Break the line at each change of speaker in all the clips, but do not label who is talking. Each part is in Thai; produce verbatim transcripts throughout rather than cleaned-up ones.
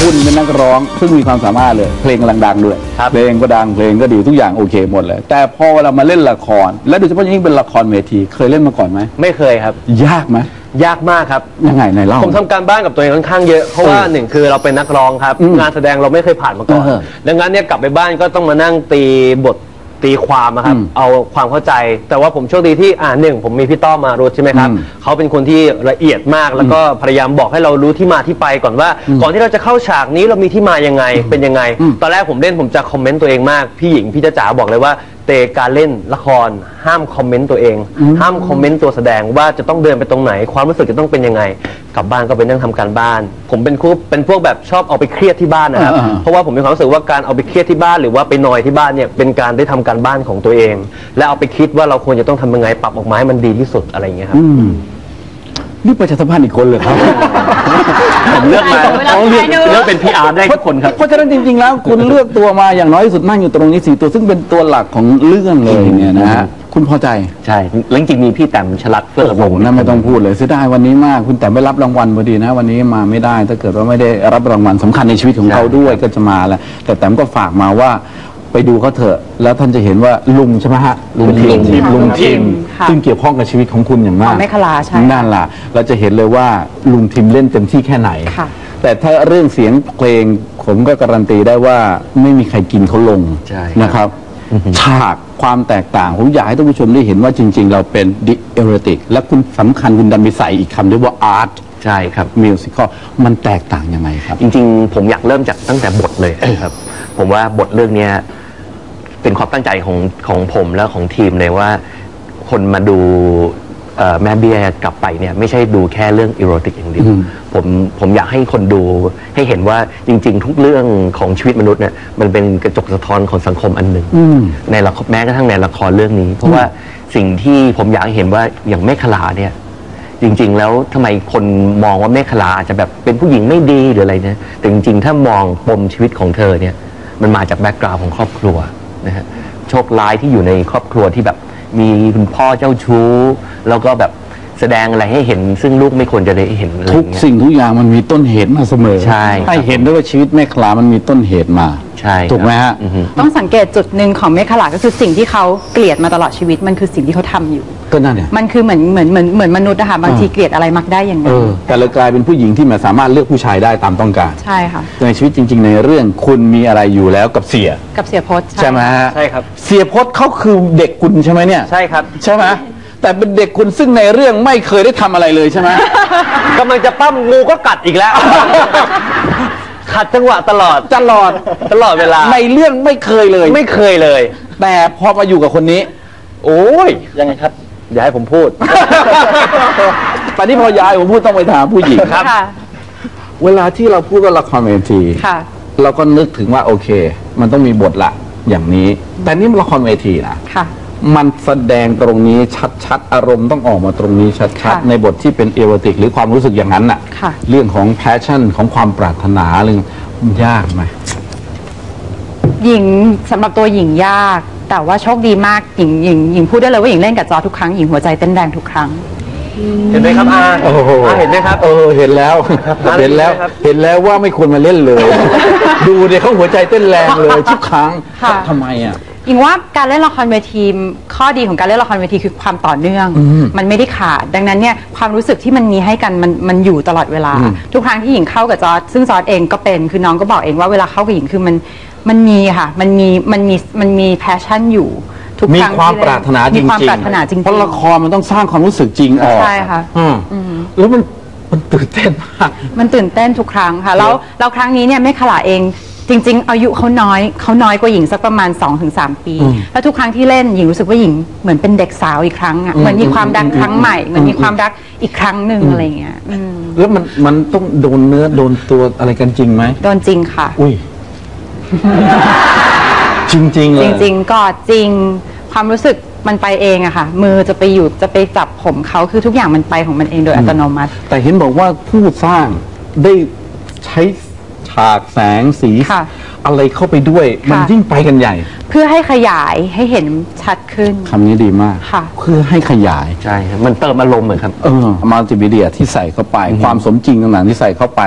คุณเป็นนักร้องซึ่งมีความสามารถเลยเพลงกำลังดังด้วยเพลงก็ดังเพลงก็ดีทุกอย่างโอเคหมดเลยแต่พอเวลามาเล่นละครและโดยเฉพาะยิ่งเป็นละครเวทีเคยเล่นมาก่อนไหม
ไม่เคยครับ
ยากไหม
ยากมากครับ
ยังไงไหนเล่า
ผมทำการบ้านกับตัวเองค่อนข้างเยอะเพราะว่าหนึ่งคือเราเป็นนักร้องครับงานแสดงเราไม่เคยผ่านมาก่อนดังนั้นเนี่ยกลับไปบ้านก็ต้องมานั่งตีบทตีความนะครับเอาความเข้าใจแต่ว่าผมโชคดีที่อ่าหนึ่งผมมีพี่ต้อมารุธใช่ไหมครับเขาเป็นคนที่ละเอียดมากแล้วก็พยายามบอกให้เรารู้ที่มาที่ไปก่อนว่าก่อนที่เราจะเข้าฉากนี้เรามีที่มายังไงเป็นยังไงตอนแรกผมเล่นผมจะคอมเมนต์ตัวเองมากพี่หญิงพี่จ๋าบอกเลยว่าเตการเล่นละครห้ามคอมเมนต์ตัวเองห้ามคอมเมนต์ตัวแสดงว่าจะต้องเดินไปตรงไหนความรู้สึกจะต้องเป็นยังไงกลับบ้านก็ไปนั่งทำการบ้านผมเป็นคู่เป็นพวกแบบชอบเอาไปเครียดที่บ้านนะครับเพราะว่าผมมีความรู้สึกว่าการเอาไปเครียดที่บ้านหรือว่าไปนอยที่บ้านเนี่ยเป็นการได้ทำการบ้านของตัวเองและเอาไปคิดว่าเราควรจะต้องทำยังไงปรับออกมาให้มันดีที่สุดอะไรอย่างเงี้ยครับ
นี่ประชาสัมพันธ์อีกคนเลยครับ
ผมเลือกมาเลือกเลือกเป็นพีอาร์ได้ทุกคนครับ
เพราะฉะนั้นจริงๆแล้วคุณเลือกตัวมาอย่างน้อยที่สุดนั่งอยู่ตรงนี้สี่ตัวซึ่งเป็นตัวหลักของเรื่องเลยเนี่ยนะฮะคุณพอใจ
ใช่แล้วจริงๆมีพี่แต้มฉลัดเพื่อระบบ
นั่นไม่ต้องพูดเลยเสียดายวันนี้มากคุณแต่ไม่รับรางวัลพอดีนะวันนี้มาไม่ได้ถ้าเกิดว่าไม่ได้รับรางวัลสำคัญในชีวิตของเขาด้วยก็จะมาแล้วแต่แต้มก็ฝากมาว่าไปดูเขาเถอะแล้วท่านจะเห็นว่าลุงใช่ไหมฮะลุงทีมลุงทีมซึ่งเกี่ยวข้องกับชีวิตของคุณอย่างมาก
ไม่คลาใช่
นั่นล่ะเราจะเห็นเลยว่าลุงทีมเล่นเต็มที่แค่ไหนแต่ถ้าเรื่องเสียงเพลงผมก็การันตีได้ว่าไม่มีใครกินเขาลงนะครับฉากความแตกต่างผมอยากให้ท่านผู้ชมได้เห็นว่าจริงๆเราเป็นดิเอเรติกและคุณสำคัญคุณดันไปใส่อีกคำด้วยว่าอาร์ต
ใช่ครับ
มิวสิคอลมันแตกต่างยังไงครับ
จริงๆผมอยากเริ่มจากตั้งแต่บทเลยครับผมว่าบทเรื่องนี้เป็นความตั้งใจของของผมและของทีมเลยว่าคนมาดูแม่เบี้ยกลับไปเนี่ยไม่ใช่ดูแค่เรื่องอีโรติกอย่างเดียวผมผมอยากให้คนดูให้เห็นว่าจริงๆทุกเรื่องของชีวิตมนุษย์เนี่ยมันเป็นกระจกสะท้อนของสังคมอันหนึ่งในละครแม้กระทั่งในละครเรื่องนี้เพราะว่าสิ่งที่ผมอยากเห็นว่าอย่างแม่ขลาเนี่ยจริงๆแล้วทำไมคนมองว่าแม่ขลาอาจจะแบบเป็นผู้หญิงไม่ดีหรืออะไรเนี่ยแต่จริงๆถ้ามองปมชีวิตของเธอเนี่ยมันมาจากแบ็กกราวด์ของครอบครัวนะฮะโชคร้ายที่อยู่ในครอบครัวที่แบบมีคุณพ่อเจ้าชู้แล้วก็แบบแสดงอะไรให้เห็นซึ่งลูกไม่ควรจะได้เห็น
ทุกสิ่งทุกอย่างมันมีต้นเหตุมาเสมอ
ใช่
ให้เห็นด้วยว่าชีวิตแม่ขลามันมีต้นเหตุมา
ใช่
ถูกไหมฮะ
ต้องสังเกตจุดหนึ่งของแม่ขลาก็คือสิ่งที่เขาเกลียดมาตลอดชีวิตมันคือสิ่งที่เขาทำอยู่
ก็นั่นเนี่ย
มันคือเหมือนเหมือนเหมือนเหมือนมนุษย์นะคะบางทีเกลียดอะไรมักได้อย่างนั้น
แต่เรากลายเป็นผู้หญิงที่มันสามารถเลือกผู้ชายได้ตามต้องการ
ใช่ค่ะ
ในชีวิตจริงๆในเรื่องคุณมีอะไรอยู่แล้วกับเสีย
กับเสียพจน์
ใช่ไหมฮะ
ใช่ครับ
เสียพจน์เขาคือเด็กคุณใช่ไหมเนี่ย
ใช่ครับ
ใช่ไหมแต่เป็นเด็กคุณซึ่งในเรื่องไม่เคยได้ทำอะไรเลยใช่ไหม
กำลังจะปั้มงูก็กัดอีกแล้วขัดจังหวะตลอด
ตลอด
ตลอดเวลา
ในเรื่องไม่เคยเลย
ไม่เคยเลย
แต่พอมาอยู่กับคนนี้โอ้ย
ยังไงครับอย่าให้ผมพูด
ตอนนี้พอยายผมพูดต้องไปถามผู้หญิง
ครับ
เวลาที่เราพูดว่าละครเวทีเราก็นึกถึงว่าโอเคมันต้องมีบทละอย่างนี้แต่นี่มันละครเวทีนะมันแสดงตรงนี้ชัดๆอารมณ์ต้องออกมาตรงนี้ชัดๆในบทที่เป็นเอโรติกหรือความรู้สึกอย่างนั้นน่ะเรื่องของแพชชั่นของความปรารถนาเรื่องมันยากไหม
หญิงสำหรับตัวหญิงยากแต่ว่าโชคดีมากหญิงหญิงหญิงพูดได้เลยว่าหญิงเล่นกับจอทุกครั้งหญิงหัวใจเต้นแรงทุกครั้ง
เห็นไหมครับอาเห็นไหมครับ
เออเห็นแล้วเห็นแล้วเห็นแล้วว่าไม่ควรมาเล่นเลยดูเดี๋ยวเขาหัวใจเต้นแรงเลยทุกครั้งทำไมอ่ะ
หญิงว่าการเล่นละครเวทีข้อดีของการเล่นละครเวทีคือความต่อเนื่องมันไม่ได้ขาดดังนั้นเนี่ยความรู้สึกที่มันมีให้กันมันมันอยู่ตลอดเวลาทุกครั้งที่หญิงเข้ากับจอร์จซึ่งจอร์จเองก็เป็นคือน้องก็บอกเองว่าเวลาเข้ากับหญิงคือมันมันมีค่ะมันมีมันมีมันมีแพชชั่นอยู่ทุก
ครั้งมีความปรารถนาจริงๆเพราะละครมันต้องสร้างความรู้สึกจริงออก
ใช่ค่ะ
แล้วมันมันตื่นเต้นมาก
มันตื่นเต้นทุกครั้งค่ะแล้วแล้วครั้งนี้เนี่ยแม่ขลาเองจริงๆอายุเขาน้อยเขาน้อยกว่าหญิงสักประมาณ สองถึงสาม ปีแล้วทุกครั้งที่เล่นหญิงรู้สึกว่าหญิงเหมือนเป็นเด็กสาวอีกครั้งอ่ะเหมือนมีความรักครั้งใหม่เหมือนมีความรักอีกครั้งหนึ่งอะไรเงี้ย
แล้วมันมันต้องโดนเนื้อโดนตัวอะไรกันจริงไหม
โดนจริงค่ะ
อุ้ยจริงๆเลย
จริงๆกอดจริงความรู้สึกมันไปเองอะค่ะมือจะไปอยู่จะไปจับผมเขาคือทุกอย่างมันไปของมันเองโดยอัตโนมัติ
แต่เห็นบอกว่าผู้สร้างได้ใช้ฉากแสงสีอะไรเข้าไปด้วยมันยิ่งไปกันใหญ่
เพื่อให้ขยายให้เห็นชัดขึ้น
คำนี้ดีมากเพื่อให้ขยาย
ใช่ครับมันเติมอารมณ์เหมือนครับ
เออมัลติมีเดียที่ใส่เข้าไปความสมจริงต่างๆที่ใส่เข้าไป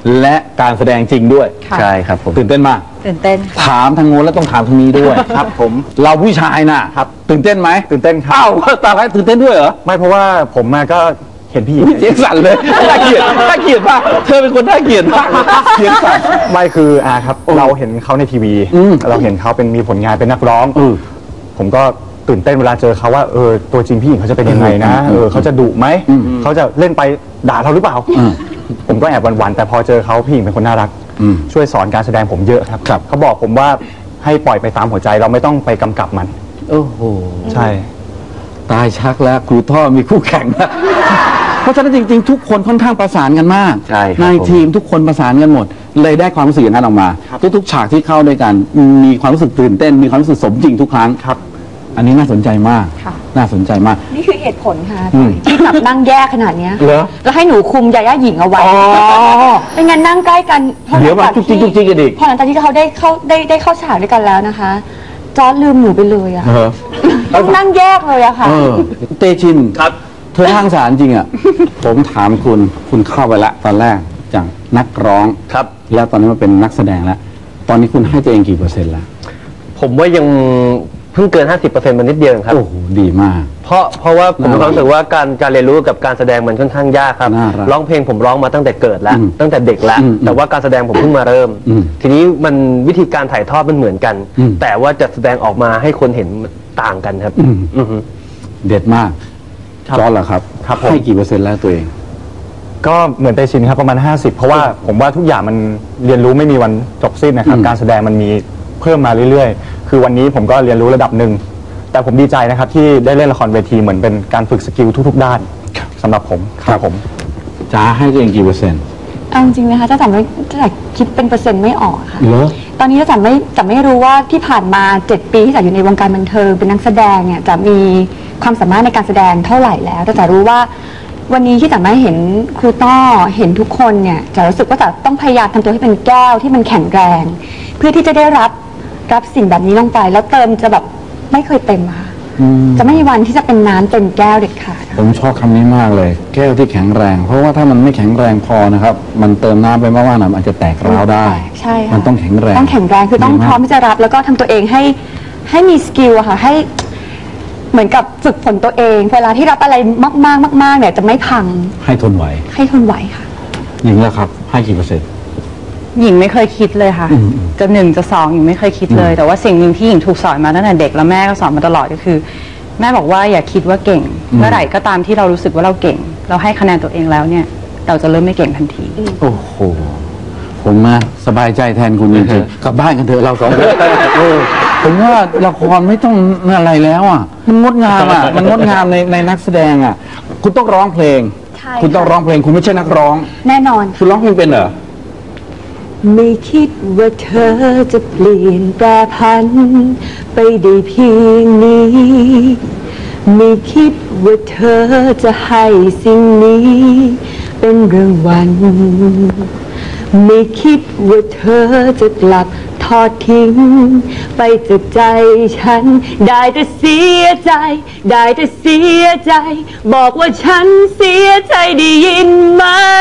และการแสดงจริงด้วย
ค่ะ
ใช่ครับผม
ตื่นเต้นมาก
ตื่นเต้นค่ะ
ถามทางโน้นแล้วต้องถามทางนี้ด้วย ครับผมเราผู้ชายน่ะครับตื่นเต้นไหม
ตื่นเต้นครับ
อ้าวตาไรตื่นเต้นด้วยเหรอ
ไม่เพราะว่าผมมาก็เห็นพี่หญิง
เสียงสั่นเลยน่าเกลียดน่าเกลียดมากเธอเป็นคนน่าเกลียดมากเสียงสั่น
ไม่คืออ่าครับเราเห็นเขาในทีวี
อืม
เราเห็นเขาเป็นมีผลงานเป็นนักร้อง
เออ
ผมก็ตื่นเต้นเวลาเจอเขาว่าเออตัวจริงพี่หญิงเขาจะเป็นยังไงนะ
อืม
เออเขาจะดุไหม
อืม
เขาจะเล่นไปด่าเราหรือเปล่า
อืม
ผมก็แอบหวั่นๆแต่พอเจอเขาพี่หญิงเป็นคนน่ารัก
อืม
ช่วยสอนการแสดงผมเยอะครับ
ครับ
เขาบอกผมว่าให้ปล่อยไปตามหัวใจเราไม่ต้องไปกำกับมัน
โอ้โห
ใช่
ตายชักแล้วครูท่อมีคู่แข่งแล้วเพราะฉะนั้นจริงๆ ทุกคนค่อนข้างประสานกันมาก
ใช่ครับ
ใน
ผม
ทีมทุกคนประสานกันหมด เลยได้ความรู้สึกอย่างนั้นออกมา ทุกๆ ฉากที่เข้าด้วยกัน มีความรู้สึกตื่นเต้น มีความรู้สึกสมจริงทุกครั้งครับ อันนี้น่าสนใจมาก
ค่ะ
น่าสนใจมาก
นี่คือเหตุผลค่ะ
อืม
ที่แบบนั่งแยกขนาดเนี้ย
เหรอ
แล้วให้หนูคุมยาย่าหญิงเอาไว้
อ๋อ
ไม่งั้นนั่งใกล้กันพอห
เดี๋
ลั
ยว
ง
มา
จาก
จุกจิกจุกจิกกันอีก
พอหลังจากที่เขาได้เข้าได้ได้เข้าฉากด้วยกันแล้วนะคะ จอร์จลืมหนูไปเลยอะ
เออ
ต้องนั่งแยกเลยอะค่ะ
เออเตชิน
ครับ
เธอทางสารจริงอ่ะ ผมถามคุณคุณเข้าไปละตอนแรกจากนักร้อง
ครับ
แล้วตอนนี้มาเป็นนักแสดงแล้ว ตอนนี้คุณให้ตัวเองกี่เปอร์เซ็นต์แล้ว
ผมว่ายังเพิ่งเกิน ห้าสิบเปอร์เซ็นต์ มันนิดเดียวเองครับ
โอ้โหดีมาก
เพราะเพราะว่าผมมี
น่ารัก
ความรู้สึกว่าการการเรียนรู้กับการแสดงมันค่อนข้างยากครับ
น่ารัก
ร้องเพลงผมร้องมาตั้งแต่เกิดแล้ว
อืม
ตั้งแต่เด็กแล้ว
อืม
แต่ว่าการแสดงผมเพิ่งมาเริ่ม
อืม
ทีนี้มันวิธีการถ่ายทอดมันเหมือนกัน
อืม
แต่ว่าจะแสดงออกมาให้คนเห็นมันต่างกันครับ
อืม
อือฮึ
เด็ดมากจอร์จเหรอครับ
ครับผม
ให้กี่เปอร์เซ็นต์แล้วตัวเอง
ก็เหมือนเตชินครับประมาณ ห้าสิบ เพราะว่าผมว่าทุกอย่างมันเรียนรู้ไม่มีวันจบสิ้นนะครับ
อืม
การแสดงมันมีเพิ่มมาเรื่อยๆ คือวันนี้ผมก็เรียนรู้ระดับหนึ่ง แต่ผมดีใจนะครับที่ได้เล่นละครเวทีเหมือนเป็นการฝึกสกิลทุกๆ ด้านสำหรับผมครับผม
จ้าให้ตัวเองกี่เปอร์เซ็นต์
เอาจริงๆนะคะถ้าแต่ไม่ถ้าแต่คิดเป็นเปอร์เซ็นต์ไม่ออกค่ะ
เหรอ
ตอนนี้จะไม่จะไม่รู้ว่าที่ผ่านมาเจ็ดปีที่จะอยู่ในวงการบันเทิงเป็นนักแสดงเนี่ยจะมีความสามารถในการแสดงเท่าไหร่แล้ว แต่จะรู้ว่าวันนี้ที่จะไม่เห็นครูต้อเห็นทุกคนเนี่ยจะรู้สึกว่าจะต้องพยายามทำตัวให้เป็นแก้วที่มันแข็งแรง เพื่อที่จะได้รับรับสิ่งแบบนี้ลงไป แล้วเติมจะแบบไม่เคยเต็มค่ะ
อืม
จะไม่มีวันที่จะเป็นน้ำเต็มแก้วเด็ดขาดค่ะ
ผมชอบคำนี้มากเลย แก้วที่แข็งแรง เพราะว่าถ้ามันไม่แข็งแรงพอนะครับ มันเติมน้ำไปมากๆนะมันอาจจะแตกร้าวได้
ใช่ค่ะ
มันต้องแข็งแรง
ต้องแข็งแรงคือต้อง
ดี
พ
มาก
ร้อมที่จะรับแล้วก็ทำตัวเองให้ให้มีสกิลอะค่ะให้เหมือนกับฝึกฝนตัวเองเวลาที่รับอะไรมากๆมากๆเนี่ยจะไม่พัง
ให้ทนไหว
ให้ทนไหวค่ะ
หญิงแล้วครับ ให้กี่เปอร์เซ็นต์
หญิงไม่เคยคิดเลยค่ะ
อืม
จะหนึ่งจะสองหญิงไม่เคยคิดเลย แต่ว่าสิ่งหนึ่งที่หญิงถูกสอนมาตั้งแต่เด็กแล้วแม่ก็สอนมาตลอดก็คือ แม่บอกว่าอย่าคิดว่าเก่ง เมื่อไหร่ก็ตามที่เรารู้สึกว่าเราเก่ง เราให้คะแนนตัวเองแล้วเนี่ย เราจะเริ่มไม่เก่งทันที
โอ้โห ผมนะสบายใจแทนคุณจริงๆกลับบ้านกันเถอะเราสองคนเออผมว่าละครไม่ต้องอะไรแล้วอ่ะ มันงดงามอ่ะ มันงดงามในในนักแสดงอ่ะ คุณต้องร้องเพลง
ใช่
คุณต้อง
ค่ะ
ร้องเพลง คุณไม่ใช่นักร้อง
แน่นอน
คุณร้องเพลงเป็นเหรอ
ไม่คิดว่าเธอจะเปลี่ยนแปรพันไปได้เพียงนี้ ไม่คิดว่าเธอจะให้สิ่งนี้ เป็นรางวัลไม่คิดว่าเธอจะกลับทอดทิ้ง ไปจากใจฉัน ได้แต่เสียใจ ได้แต่เสียใจ บอกว่าฉันเสียใจได้ยินไหม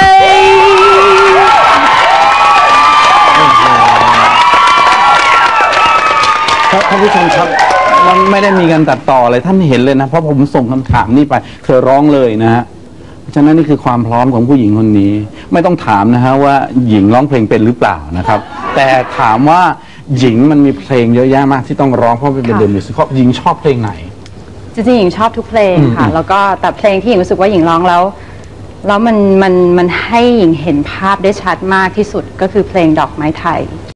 ครับท่านผู้ชมครับมันไม่ได้มีการตัดต่ออะไรท่านเห็นเลยนะ เพราะผมส่งคำถามนี้ไปเธอร้องเลยนะฮะเพราะฉะนั้นนี่คือความพร้อมของผู้หญิงคนนี้ ไม่ต้องถามนะฮะว่าหญิงร้องเพลงเป็นหรือเปล่านะครับ แต่ถามว่าหญิงมันมีเพลงเยอะแยะมากที่ต้องร้องเพราะเป็นเดอะมิวสิคหญิงชอบเพลงไหน
จริงๆหญิงชอบทุกเพลงค่ะ แล้วก็แต่เพลงที่หญิงรู้สึกว่าหญิงร้องแล้ว แล้วมันมันมันให้หญิงเห็นภาพได้ชัดมากที่สุดก็คือเพลงดอกไม้ไทย